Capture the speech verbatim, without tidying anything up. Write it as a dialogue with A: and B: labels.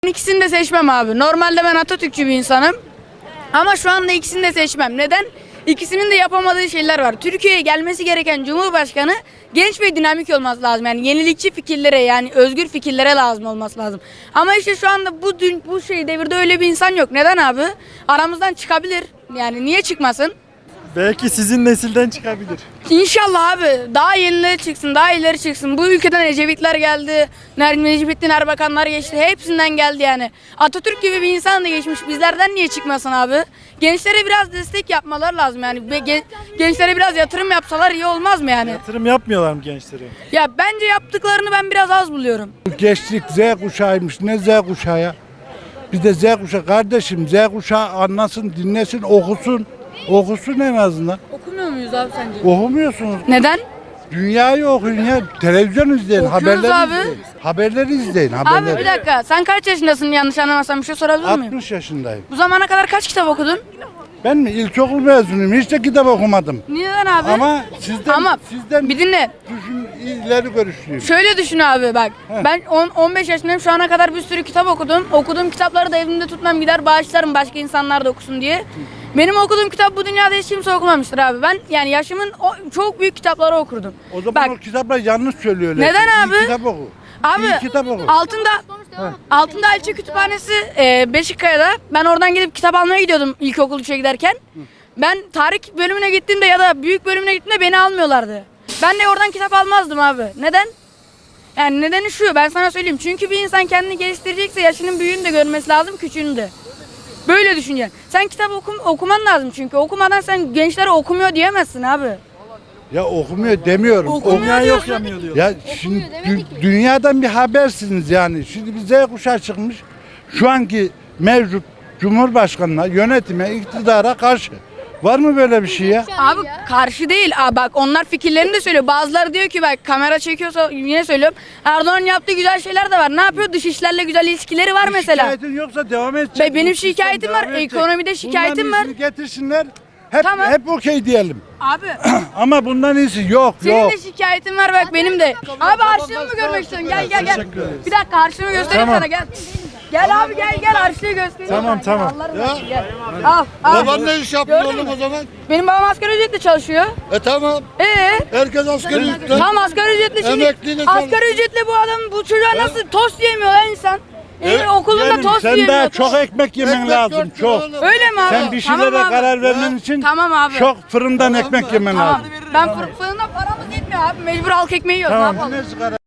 A: İkisini de seçmem abi. Normalde ben Atatürkçü bir insanım. Ama şu anda ikisini de seçmem. Neden? İkisinin de yapamadığı şeyler var. Türkiye'ye gelmesi gereken Cumhurbaşkanı genç ve dinamik olması lazım. Yani yenilikçi fikirlere, yani özgür fikirlere lazım olması lazım. Ama işte şu anda bu dün bu şey devirde öyle bir insan yok. Neden abi? Aramızdan çıkabilir. Yani niye çıkmasın?
B: Belki sizin nesilden çıkabilir.
A: İnşallah abi. Daha yenileri çıksın, daha ileri çıksın. Bu ülkeden Ecevitler geldi, Necmettin Erbakanlar geçti. Hepsinden geldi yani. Atatürk gibi bir insan da geçmiş. Bizlerden niye çıkmasın abi? Gençlere biraz destek yapmaları lazım yani. Gen- gençlere biraz yatırım yapsalar iyi olmaz mı yani?
B: Yatırım yapmıyorlar mı gençlere?
A: Ya bence yaptıklarını ben biraz az buluyorum.
C: Gençlik Z kuşağıymış. Ne Z kuşağı ya? Bir de Z kuşağı kardeşim. Z kuşağı anlasın, dinlesin, okusun. Okusun en azından.
A: Okumuyor muyuz abi sence?
C: Okumuyorsunuz.
A: Neden?
C: Dünyayı okuyun ya. Televizyon izleyin,
A: Okuyoruz
C: haberleri
A: abi.
C: izleyin. Haberleri izleyin,
A: Abi
C: haberleri.
A: bir dakika. Sen kaç yaşındasın, yanlış anlamazsam bir şey sorabilir miyim?
C: altmış yaşındayım.
A: Bu zamana kadar kaç kitap okudun?
C: Ben mi ilkokul mezunuyum. Hiç de kitap okumadım.
A: Neden abi?
C: Ama sizden
A: Ama
C: sizden
A: bir dinle.
C: düşün, ileri görüşlüyüm.
A: Şöyle düşün abi bak. Ben on on beş yaşındayım. Şu ana kadar bir sürü kitap okudum. Okuduğum kitapları da evimde tutmam, gider bağışlarım başka insanlar da okusun diye. Benim okuduğum kitap bu dünyada hiç kimse okumamıştır abi. Ben yani yaşımın o, çok büyük kitapları okurdum.
C: O zaman
A: Bak,
C: o kitaplar yanlış söylüyorlar.
A: Neden
C: İyi
A: abi?
C: kitap oku.
A: abi
C: İyi kitap oku.
A: altında altında Elçi Kütüphanesi e, Beşikkaya'da. Ben oradan gidip kitap almaya gidiyordum ilkokul üçe giderken. Ben tarih bölümüne gittiğimde ya da büyük bölümüne gittiğimde beni almıyorlardı. Ben de oradan kitap almazdım abi. Neden? Yani nedeni şu, ben sana söyleyeyim. Çünkü bir insan kendini geliştirecekse yaşının büyüğünü de görmesi lazım, küçüğünü de. Böyle düşüneceksin. Sen kitap okum, okuman lazım çünkü. Okumadan sen gençlere okumuyor diyemezsin abi.
C: Ya okumuyor demiyorum.
A: Okumuyor
B: Dünya
A: diyorsun.
B: yok yanıyor diyor.
C: Ya şimdi dü- dünyadan bir habersiniz yani. Şimdi bir Z kuşağı çıkmış. Şu anki mevcut Cumhurbaşkanına, yönetime, iktidara karşı. Var mı böyle bir şey ya?
A: Abi karşı değil. Aa, bak onlar fikirlerini de söylüyor. Bazıları diyor ki bak kamera çekiyorsa yine söylüyorum. Erdoğan yaptığı güzel şeyler de var. Ne yapıyor? Dış işlerle güzel ilişkileri var mesela.
C: Şikayetin yoksa devam edecek.
A: Be- benim
C: Bu sistem
A: şikayetim
C: devam
A: var,
C: edecek.
A: ekonomide şikayetim
C: Bundan
A: var.
C: iyisini getirsinler. Hep,
A: Tamam.
C: hep okey diyelim.
A: Abi
C: Ama bundan iyisi yok
A: senin
C: yok.
A: de şikayetin var bak benim de. Abi harçlığımı mı görmek istiyorsun? Gel gel gel. Bir dakika harçlığımı göstereyim
B: Tamam.
A: sana gel. Gel abi gel gel harçlığı göstereyim.
B: Tamam,
A: sana.
B: tamam.
A: Allah razı olsun, gel. Al al.
D: Baban ne iş yapıyor
A: Gördün
D: oğlum
A: mü?
D: o zaman?
A: Benim babam asgari ücretle çalışıyor.
D: E tamam.
A: Ee?
D: Herkes asgari ücret.
A: Tam asgari ücretle şimdi.
D: Emekliyle
A: Asgari ücretle bu adam bu çocuğa nasıl tost yemiyor lan insan?
D: Evet,
A: Ee, okulunda
C: Yeğenim,
A: tost
C: sen
A: yemiyor.
C: daha çok ekmek yemen
D: Ekmek
C: lazım
D: dört lira
C: çok.
D: oğlum.
A: Öyle mi abi?
C: Sen bir şeylere
A: Tamam abi.
C: karar vermen için
A: Tamam abi.
C: çok fırından ekmek yemen
A: Tamam.
C: lazım.
A: Ben fır- fırında paramız yetmiyor abi. Mecbur halk ekmeği yiyoruz.
C: Tamam.
A: Ne yapalım?